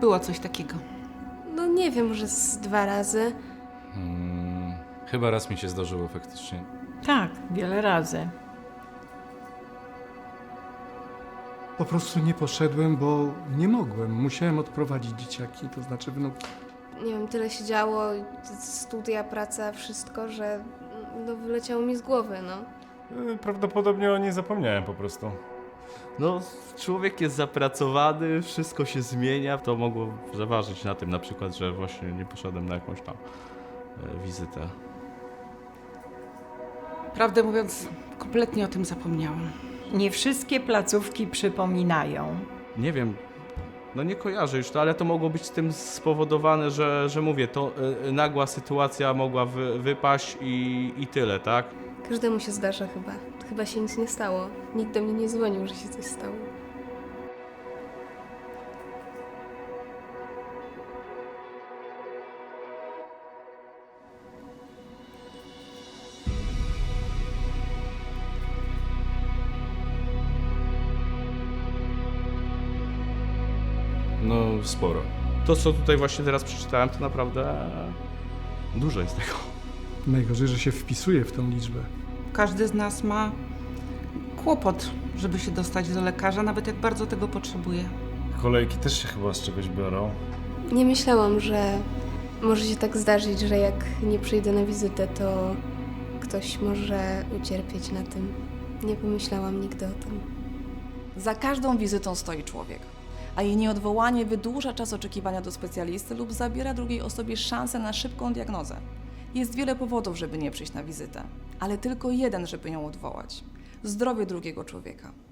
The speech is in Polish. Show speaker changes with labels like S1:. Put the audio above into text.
S1: było coś takiego?
S2: No nie wiem, może z 2 razy.
S3: Chyba raz mi się zdarzyło faktycznie.
S4: Tak, wiele razy.
S5: Po prostu nie poszedłem, bo nie mogłem. Musiałem odprowadzić dzieciaki, to znaczy wnuki.
S2: Nie wiem, tyle się działo, studia, praca, wszystko, że no, wyleciało mi z głowy, no.
S6: Prawdopodobnie o niej zapomniałem po prostu.
S7: No, człowiek jest zapracowany, wszystko się zmienia. To mogło zaważyć na tym na przykład, że właśnie nie poszedłem na jakąś tam wizytę.
S1: Prawdę mówiąc, kompletnie o tym zapomniałam.
S4: Nie wszystkie placówki przypominają.
S7: Nie wiem, no nie kojarzę już to, ale to mogło być tym spowodowane, że mówię, to nagła sytuacja mogła wypaść i tyle, tak?
S2: Każdemu się zdarza chyba. Chyba się nic nie stało. Nikt do mnie nie dzwonił, że się coś stało.
S3: No, sporo.
S7: To, co tutaj właśnie teraz przeczytałem, to naprawdę dużo jest tego.
S5: Najgorzej, że się wpisuje w tą liczbę.
S1: Każdy z nas ma kłopot, żeby się dostać do lekarza, nawet jak bardzo tego potrzebuje.
S6: Kolejki też się chyba z czegoś biorą.
S2: Nie myślałam, że może się tak zdarzyć, że jak nie przyjdę na wizytę, to ktoś może ucierpieć na tym. Nie pomyślałam nigdy o tym.
S8: Za każdą wizytą stoi człowiek, a jej nieodwołanie wydłuża czas oczekiwania do specjalisty lub zabiera drugiej osobie szansę na szybką diagnozę. Jest wiele powodów, żeby nie przyjść na wizytę, ale tylko jeden, żeby ją odwołać. Zdrowie drugiego człowieka.